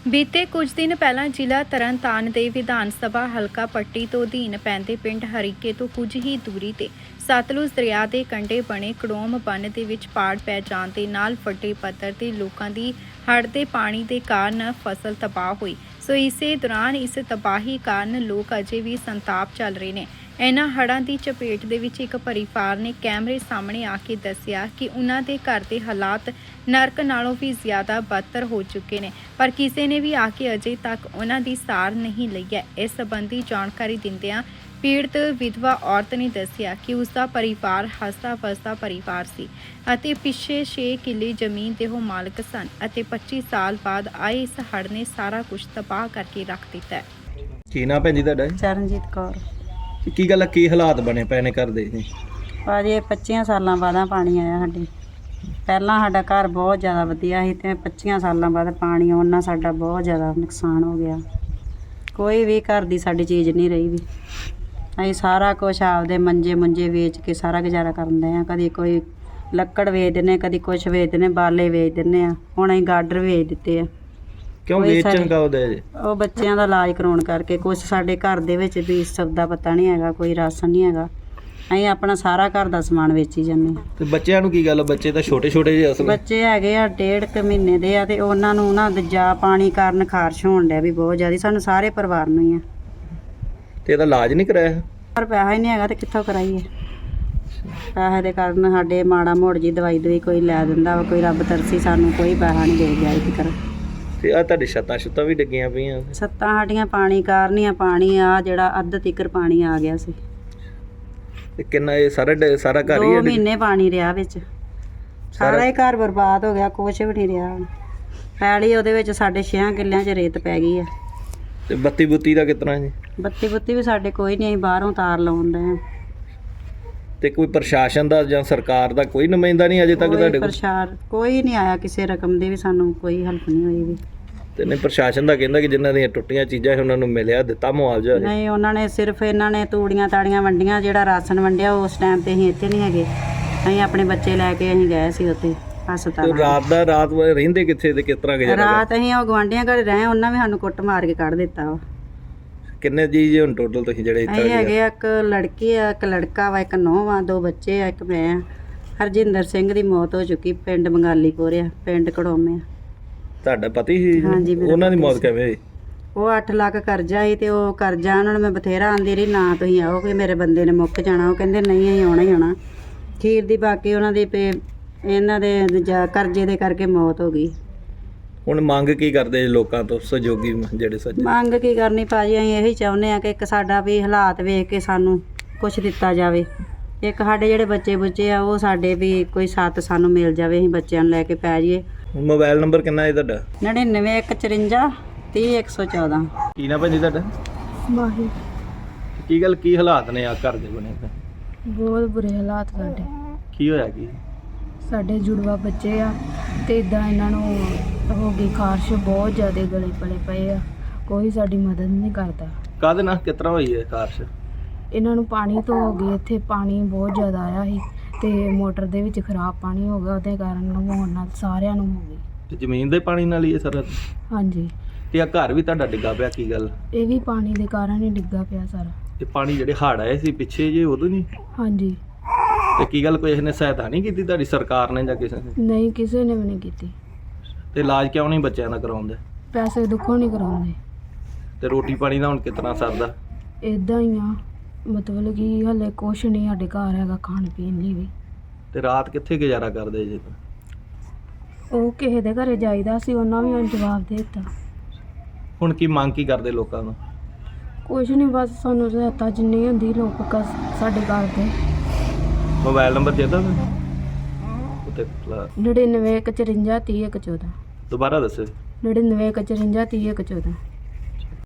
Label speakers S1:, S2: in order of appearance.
S1: ਬੀਤੇ ਕੁਝ ਦਿਨ ਪਹਿਲਾਂ ਜ਼ਿਲ੍ਹਾ ਤਰਨਤਾਰਨ ਦੇ ਵਿਧਾਨ ਸਭਾ ਹਲਕਾ ਪੱਟੀ ਤੋਂ ਅਧੀਨ ਪੈਂਦੇ ਪਿੰਡ ਹਰੀਕੇ ਤੋਂ ਕੁਝ ਹੀ ਦੂਰੀ ਤੇ ਸਤਲੁਜ ਦਰਿਆ ਦੇ ਕੰਢੇ ਬਣੇ ਕੜੋਮ ਬੰਨ੍ਹ ਦੇ ਵਿੱਚ ਪਾੜ ਪੈ ਜਾਣ ਦੇ ਨਾਲ ਵੱਡੇ ਪੱਧਰ ਤੇ ਲੋਕਾਂ ਦੀ ਹੜ੍ਹ ਦੇ ਪਾਣੀ ਦੇ ਕਾਰਨ ਫਸਲ ਤਬਾਹ ਹੋਈ। ਸੋ ਇਸੇ ਦੌਰਾਨ ਇਸ ਤਬਾਹੀ ਕਾਰਨ ਲੋਕ ਅਜੇ ਵੀ ਸੰਤਾਪ ਚੱਲ ਰਹੇ ਨੇ। ਇਹਨਾਂ ਹੜ੍ਹਾਂ ਦੀ ਚਪੇਟ ਦੇ ਵਿੱਚ ਇੱਕ ਪਰਿਵਾਰ ਨੇ ਕੈਮਰੇ ਸਾਹਮਣੇ ਆ ਕੇ ਦੱਸਿਆ ਕਿ ਉਹਨਾਂ ਦੇ ਘਰ ਦੇ ਹਾਲਾਤ ਨਰਕ ਨਾਲੋਂ ਵੀ ਜ਼ਿਆਦਾ ਬਦਤਰ ਹੋ ਚੁੱਕੇ ਨੇ, ਪਰ ਕਿਸੇ ਨੇ ਵੀ ਆ ਕੇ ਅਜੇ ਤੱਕ ਉਹਨਾਂ ਦੀ ਸਾਰ ਨਹੀਂ ਲਈ ਹੈ। ਇਸ ਸੰਬੰਧੀ ਜਾਣਕਾਰੀ ਦਿੰਦਿਆਂ ਪੀੜਤ ਵਿਧਵਾ ਔਰਤ ਨੇ ਦੱਸਿਆ ਕਿ ਉਸ ਦਾ ਪਰਿਵਾਰ ਹੱਸਦਾ-ਵਸਦਾ ਪਰਿਵਾਰ ਸੀ ਅਤੇ ਪਿੱਛੇ 6 ਕਿੱਲੇ ਜ਼ਮੀਨ ਦੇ ਉਹ ਮਾਲਕ ਸਨ ਅਤੇ 25 ਸਾਲ ਬਾਅਦ ਆਏ ਇਸ ਹੜ੍ਹ ਨੇ ਸਾਰਾ ਕੁਝ ਤਬਾਹ ਕਰਕੇ ਰੱਖ ਦਿੱਤਾ ਹੈ।
S2: ਕੀ ਨਾਂ ਭੈਣ ਜੀ ਤੁਹਾਡਾ?
S3: ਚਰਨਜੀਤ ਕੌਰ।
S2: ਕੀ ਗੱਲ ਆ, ਕੀ ਹਾਲਾਤ ਬਣੇ ਪਏ ਨੇ ਘਰ ਦੇ ਜੀ?
S3: ਭਾਜੀ 25 ਸਾਲਾਂ ਬਾਅਦ ਪਾਣੀ ਆਇਆ ਸਾਡੇ। ਪਹਿਲਾਂ ਸਾਡਾ ਘਰ ਬਹੁਤ ਜ਼ਿਆਦਾ ਵਧੀਆ ਸੀ ਤੇ 25 ਸਾਲਾਂ ਬਾਅਦ ਪਾਣੀ ਆਉਣ ਨਾਲ ਸਾਡਾ ਬਹੁਤ ਜ਼ਿਆਦਾ ਨੁਕਸਾਨ ਹੋ ਗਿਆ। ਕੋਈ ਵੀ ਘਰ ਦੀ ਸਾਡੀ ਚੀਜ਼ ਨਹੀਂ ਰਹੀ ਵੀ। ਅਸੀਂ ਸਾਰਾ ਕੁਝ ਆਪਦੇ ਮੰਜੇ ਵੇਚ ਕੇ ਸਾਰਾ ਗੁਜ਼ਾਰਾ ਕਰਦੇ ਆ। ਕਦੀ ਕੋਈ ਲੱਕੜ ਵੇਚ ਦਿੰਦੇ, ਕਦੀ ਕੁਛ ਵੇਚ ਦਿੰਦੇ, ਬਾਲੇ ਵੇਚ ਦਿੰਦੇ ਆ। ਹੁਣ ਅਸੀਂ ਗਾਡਰ ਵੇਚ ਦਿੱਤੇ ਆ।
S2: ਕਿਉਂ ਵੇਚਣ ਕਾ ਉਹਦੇ ਜੀ?
S3: ਉਹ ਬੱਚਿਆਂ ਦਾ ਇਲਾਜ ਕਰਾਉਣ ਕਰਕੇ। ਕੁਛ ਸਾਡੇ ਘਰ ਦੇ ਵਿੱਚ ਵੀ ਸੌਦਾ ਪਤਾ ਨਹੀਂ ਹੈਗਾ, ਕੋਈ ਰਾਸ਼ਨ ਨਹੀਂ ਹੈਗਾ। ਅਸੀਂ ਆਪਣਾ ਸਾਰਾ ਘਰ ਦਾ ਸਮਾਨ ਵੇਚੀ ਜਾਂਦੇ ਹਾਂ।
S2: ਤੇ ਬੱਚਿਆਂ ਨੂੰ ਕੀ ਗੱਲ? ਬੱਚੇ ਤਾਂ ਛੋਟੇ ਜਿਹੇ ਅਸਲ
S3: ਬੱਚੇ ਹੈਗੇ ਆ 1.5 ਮਹੀਨੇ ਦੇ ਆ ਤੇ ਉਹਨਾਂ ਨੂੰ ਨਾ ਦੂਜਾ ਪਾਣੀ ਕਾਰਨ ਖਾਰਸ਼ ਹੋਣ ਡਿਆ ਵੀ ਬਹੁਤ ਜ਼ਿਆਦਾ। ਸਾਨੂੰ ਸਾਰੇ ਪਰਿਵਾਰ ਨੂੰ ਹੀ ਆ।
S2: ਤੇ ਇਹਦਾ ਇਲਾਜ ਨਹੀਂ ਕਰਾਇਆ?
S3: ਪਰ ਪੈਸਾ ਹੀ ਨਹੀਂ ਹੈਗਾ ਤੇ ਕਿੱਥੋਂ ਕਰਾਈਏ? ਪੈਸੇ ਦੇ ਕਾਰਨ ਸਾਡੇ ਮਾੜਾ ਮੋੜ ਜੀ ਦਵਾਈ ਕੋਈ ਲੈ ਦਿੰਦਾ ਵਾ, ਕੋਈ ਰੱਬ ਤਰਸੀ, ਸਾਨੂੰ ਕੋਈ ਪੈਸਾ ਨਹੀਂ ਦੇ ਗਿਆ ਇਹ ਫਿਕਰ।
S2: ਤੇ ਆ ਤੁਹਾਡੀ ਛੱਤਾਂ ਵੀ ਡਿੱਗੀਆਂ ਪਈਆਂ?
S3: ਛੱਤਾਂ ਸਾਡੀਆਂ ਪਾਣੀ ਕਾਰਨ ਹੀ ਆ। ਪਾਣੀ ਆ ਜਿਹੜਾ ਅੱਧ ਤੀਕਰ ਪਾਣੀ ਆ ਗਿਆ ਸੀ।
S2: ਤੇ ਕਿੰਨਾ ਇਹ ਸਾਰਾ ਘਰ ਹੀ
S3: 2 ਮਹੀਨੇ ਪਾਣੀ ਰਿਹਾ ਵਿੱਚ। ਸਾਰਾ ਹੀ ਘਰ ਬਰਬਾਦ ਹੋ ਗਿਆ, ਕੁਛ ਵੀ ਨਹੀਂ ਰਿਹਾ। ਪੈਲੀ ਉਹਦੇ ਵਿੱਚ ਸਾਡੇ 6 ਕਿੱਲਿਆਂ 'ਚ ਰੇਤ ਪੈ ਗਈ ਆ।
S2: ਤੇ ਬੱਤੀ ਬੁੱਤੀ ਦਾ ਕਿਸ ਤਰ੍ਹਾਂ ਜੀ?
S3: ਬੱਤੀ ਵੀ ਸਾਡੇ ਕੋਈ ਨਹੀਂ, ਅਸੀਂ ਬਾਹਰੋਂ ਤਾਰ ਲਾਉਂਦੇ ਆ।
S2: ਤੇ ਕੋਈ ਪ੍ਰਸ਼ਾਸਨ ਦਾ ਜਾਂ ਸਰਕਾਰ ਦਾ ਕੋਈ ਨੁਮਾਇੰਦਾ ਨਹੀਂ ਅਜੇ ਤੱਕ ਤੁਹਾਡੇ ਕੋਲ?
S3: ਕੋਈ ਨਹੀਂ ਆਇਆ ਕਿਸੇ ਰਕਮ ਦੀ ਵੀ, ਸਾਨੂੰ ਕੋਈ ਹੈਲਪ ਨਹੀਂ ਹੋਈ ਵੀ।
S2: ਤੇ ਨਹੀਂ, ਪ੍ਰਸ਼ਾਸਨ ਦਾ ਕਹਿੰਦਾ ਕਿ ਜਿਨ੍ਹਾਂ ਦੀਆਂ ਟੁੱਟੀਆਂ ਚੀਜ਼ਾਂ ਉਹਨਾਂ ਨੂੰ ਮਿਲਿਆ, ਦਿੱਤਾ ਮੁਆਵਜ਼ਾ?
S3: ਨਹੀਂ, ਉਹਨਾਂ ਨੇ ਸਿਰਫ ਇਹਨਾਂ ਨੇ ਤੂੜੀਆਂ ਤਾੜੀਆਂ ਵੰਡੀਆਂ। ਜਿਹੜਾ ਰਾਸ਼ਨ ਵੰਡਿਆ ਉਸ ਟਾਈਮ ਤੇ ਅਸੀਂ ਇੱਥੇ ਨਹੀਂ ਹੈਗੇ। ਅਸੀਂ ਆਪਣੇ ਬੱਚੇ ਲੈ ਕੇ ਅਸੀਂ ਗਏ ਸੀ ਉੱਥੇ ਹਸਪਤਾਲ।
S2: ਰਾਤ ਰਹਿੰਦੇ ਕਿੱਥੇ ਤੇ ਕਿਸ ਤਰ੍ਹਾਂ ਗੁਜ਼ਾਰਾ?
S3: ਰਾਤ ਅਸੀਂ ਉਹ ਗੁਆਂਢੀਆਂ ਘਰ ਰਹੇ, ਉਹਨਾਂ ਵੀ ਸਾਨੂੰ ਕੁੱਟ ਮਾਰ ਕੇ ਕੱਢ ਦਿੱਤਾ ਵਾ।
S2: ਕਿੰਨੇ ਜੀ ਹੁਣ ਟੋਟਲ ਤੁਸੀਂ ਜਿਹੜੇ ਇੱਥੇ
S3: ਅਸੀਂ ਹੈਗੇ ਆ? ਇੱਕ ਲੜਕੀ ਆ, ਇੱਕ ਲੜਕਾ ਵਾ, ਇੱਕ ਨੂੰਹ ਵਾ, 2 ਬੱਚੇ ਆ, ਇੱਕ ਮੈਂ ਆ। ਹਰਜਿੰਦਰ ਸਿੰਘ ਦੀ ਮੌਤ ਹੋ ਚੁੱਕੀ, ਪਿੰਡ ਬੰਗਾਲੀਪੁਰ ਆ, ਪਿੰਡ ਕੜੋਮੇ ਆ।
S2: ਤੁਹਾਡਾ ਪਤੀ ਸੀ?
S3: ਹਾਂਜੀ,
S2: ਉਹਨਾਂ ਦੀ ਮੌਤ ਕਿਵੇਂ ਹੋਈ?
S3: ਉਹ 8 ਲੱਖ ਕਰਜ਼ਾ ਸੀ ਤੇ ਉਹ ਕਰਜ਼ਾ ਉਹਨਾਂ ਨੂੰ ਮੈਂ ਬਥੇਰਾ ਆਂਦੀ ਰਹੀ, ਨਾ ਤੁਸੀਂ ਆਓ ਕਿ ਮੇਰੇ ਬੰਦੇ ਨੇ ਮੁੱਕ ਜਾਣਾ। ਉਹ ਕਹਿੰਦੇ ਨਹੀਂ, ਅਸੀਂ ਆਉਣਾ ਹੀ ਆਉਣਾ। ਖੀਰ ਦੀ ਬਾਕੀ ਉਹਨਾਂ ਦੀ ਇਹਨਾਂ ਦੇ ਕਰਜ਼ੇ ਦੇ ਕਰਕੇ ਮੌਤ ਹੋ ਗਈ।
S2: ਹੁਣ ਮੰਗ ਕੀ ਕਰਦੇ ਜੀ ਲੋਕਾਂ ਤੋਂ, ਸਹਿਯੋਗੀ ਜਿਹੜੇ ਸੱਜਣ? ਮੰਗ
S3: ਕੀ ਕਰਨੀ ਭਾਜੀ, ਅਸੀਂ ਇਹੀ ਚਾਹੁੰਦੇ ਆ ਕਿ ਇੱਕ ਸਾਡਾ ਵੀ ਹਾਲਾਤ ਵੇਖ ਕੇ ਸਾਨੂੰ ਕੁਝ ਦਿੱਤਾ ਜਾਵੇ। ਇੱਕ ਸਾਡੇ ਜਿਹੜੇ ਬੱਚੇ ਆ ਉਹ ਸਾਡੇ ਵੀ ਕੋਈ ਸਾਥ ਸਾਨੂੰ ਮਿਲ ਜਾਵੇ, ਅਸੀਂ ਬੱਚਿਆਂ ਨੂੰ ਲੈ ਕੇ ਪੈ ਜਾਈਏ।
S2: ਮੋਬਾਈਲ ਨੰਬਰ ਕਿੰਨਾ ਹੈ ਤੁਹਾਡਾ?
S3: 99 154 30 114।
S2: ਕੀ ਨਾ ਭਾਜੀ ਤੁਹਾਡਾ?
S4: ਮਾਹੀ।
S2: ਕੀ ਗੱਲ, ਕੀ ਹਾਲਾਤ ਨੇ ਆ ਘਰ ਦੇ ਬਣੇ?
S4: ਬਹੁਤ ਬੁਰੇ ਹਾਲਾਤ ਸਾਡੇ।
S2: ਕੀ ਹੋਇਆ? ਕੀ
S4: ਸਾਡੇ ਜੁੜਵਾ ਬੱਚੇ ਆ ਤੇ ਇਦਾਂ ਇਹਨਾਂ ਨੂੰ ਹੋ ਗਈ ਖਾਰਸ਼, ਬਹੁਤ ਜ਼ਿਆਦਾ ਗਲੇ ਪਲੇ ਪਏ ਆ। ਕੋਈ ਸਾਡੀ ਮਦਦ ਨਹੀਂ ਕਰਦਾ।
S2: ਕਾਹਦੇ ਨਾਲ, ਕਿਸ ਤਰ੍ਹਾਂ ਹੋਈ ਹੈ ਖਾਰਸ਼?
S4: ਇਹਨਾਂ ਨੂੰ ਪਾਣੀ ਤੋਂ ਹੋ ਗਈ। ਇੱਥੇ ਪਾਣੀ ਬਹੁਤ ਜ਼ਿਆਦਾ ਆਇਆ ਸੀ ਤੇ ਮੋਟਰ ਦੇ ਵਿੱਚ ਖਰਾਬ ਪਾਣੀ ਹੋ ਗਿਆ, ਉਹਦੇ ਕਾਰਨ ਨਹਾਉਣ ਨਾਲ ਸਾਰਿਆਂ ਨੂੰ ਹੋ ਗਈ।
S2: ਤੇ ਜ਼ਮੀਨ ਦੇ ਪਾਣੀ ਨਾਲ ਹੀ ਇਹ ਸਾਰਾ?
S4: ਹਾਂਜੀ।
S2: ਤੇ ਆ ਘਰ ਵੀ ਤੁਹਾਡਾ ਡਿੱਗਾ ਪਿਆ, ਕੀ ਗੱਲ?
S4: ਇਹ ਵੀ ਪਾਣੀ ਦੇ ਕਾਰਨ ਹੀ ਡਿੱਗਾ ਪਿਆ ਸਾਰਾ।
S2: ਤੇ ਪਾਣੀ ਜਿਹੜੇ ਹੜ੍ਹ ਆਏ ਸੀ ਪਿੱਛੇ ਜੇ, ਉਦੋਂ ਨਹੀਂ?
S4: ਹਾਂਜੀ।
S2: ਤੇ ਕੀ ਗੱਲ, ਕੋਈ ਇਹਨੇ ਸਹਾਇਤਾ ਨਹੀਂ ਕੀਤੀ ਤੁਹਾਡੀ ਸਰਕਾਰ ਨੇ ਜਾਂ ਕਿਸੇ ਨੇ?
S4: ਨਹੀਂ, ਕਿਸੇ ਨੇ ਵੀ ਨਹੀਂ ਕੀਤੀ।
S2: ਤੇ ਇਲਾਜ ਕਿਉਂ ਨਹੀਂ ਬੱਚਿਆਂ ਦਾ ਕਰਾਉਂਦੇ?
S4: ਪੈਸੇ ਦੁੱਖੋਂ ਨਹੀਂ ਕਰਾਉਂਦੇ।
S2: ਤੇ ਰੋਟੀ ਪਾਣੀ ਦਾ ਹੁਣ ਕਿਸ ਤਰ੍ਹਾਂ ਸਰਦਾ?
S4: ਇਦਾਂ ਹੀ ਆ, ਮਤਲਬ ਕਿ ਹਲੇ ਕੁਛ ਨਹੀਂ ਸਾਡੇ ਘਰ ਹੈਗਾ ਖਾਣ ਪੀਣ ਲਈ ਵੀ।
S2: ਤੇ ਰਾਤ ਕਿੱਥੇ ਗੁਜ਼ਾਰਾ ਕਰਦੇ ਜੀ?
S4: ਉਹ ਕਿਸੇ ਦੇ ਘਰੇ ਜਾਈਦਾ ਸੀ, ਉਹਨਾਂ ਵੀ ਹੁਣ ਜਵਾਬ ਦੇ ਦਿੱਤਾ।
S2: ਹੁਣ ਕੀ ਮੰਗ ਕੀ ਕਰਦੇ ਲੋਕਾਂ ਨੂੰ?
S4: ਕੁਛ ਨਹੀਂ, ਬਸ ਸਾਨੂੰ ਸਹਾਇਤਾ ਜਿੰਨੀ ਹੁੰਦੀ ਲੋਕ ਸਾਡੇ ਘਰ ਦੇ।
S2: ਮੋਬਾਈਲ ਨੰਬਰ ਦੇ ਦੋ ਉੱਤੇ।
S4: 99 154 30 114।
S2: ਦੁਬਾਰਾ ਦੱਸੋ।
S4: 99 154 30 114।